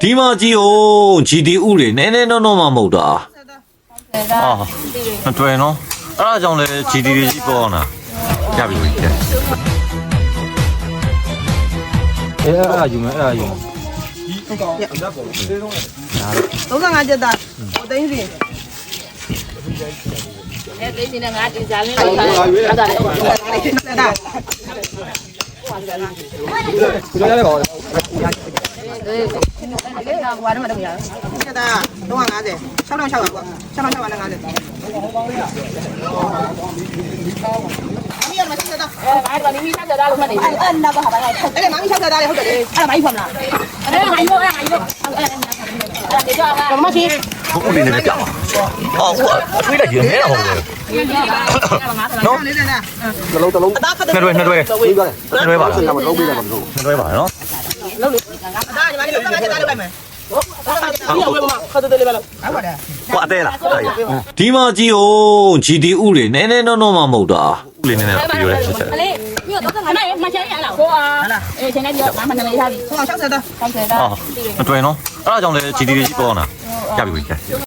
ဒီမှာကြည့်ဦးဂျီတီဥတွေနည်းနည်းတော့မှမဟုတ်တာ မတွေ့နော်အဲ့ဒါကြောင့်လေဂျီတီတွေကြီးပေါ်လာရပြီကဲအဲ့ဒါယူမယ်အဲ့ဒါယူ 35ကျက်သားဟိုသိန်းစီသိစီနဲ့ငါဒီဇာလင်းလောက်ထားတယ်အဲ့ဒါလေဆက်တာကိုရရပါဦးကွာတော့မတော့ရဆက်တာ350 6600ကွာ6650နဲ့50အမီရမရှိဆက်တာအဲ့ဒါနီမီဆက်တာလို့မှတ်နေတယ်အဲ့နာပါပါအဲ့ဒါမိုင်းချက်တာလေဟုတ်တယ်အဲ့ဒါမိုင်းဖမ်းလားအဲ့ဒါမိုင်းရောအဲ့ဒါမိုင်းရောအဲ့ဒါဒီကြောကမရှိဟုတ်ပြီလည်းကြောက်ဟောထွေးလိုက်ရနေတာဟုတ်တယ်နော်လေးနဲ့နှလုံးတစ်လုံးအသားဖတ်တယ်နှစ်တွဲပြီးသွားတယ်နှစ်တွဲပါလားမလုံးပြီးတယ်မလုံးနှစ်တွဲပါနော်အသားညီမလေး35ကျက်သားလေးပိုက်မယ်ခတ်တယ်လေးပဲလို့ဟုတ်ပါတယ်ကွာတဲလားဒီမှာကြည့်ဦးဂျီတီဥတွေနည်းနည်းတော့မှမဟုတ်တာဥလေးနည်းနည်းပြောရဲဆက်ဆက်လေညတော့ငါမချင်ရလားဟိုအာအေးချိန်နေပြီးတော့ငါမနေထားပြီ 60တာ 60တာမတွေ့နော်အဲ့ဒါကြောင့်လေဂျီတီတွေကြီးပေါ်လာရပြီကဲ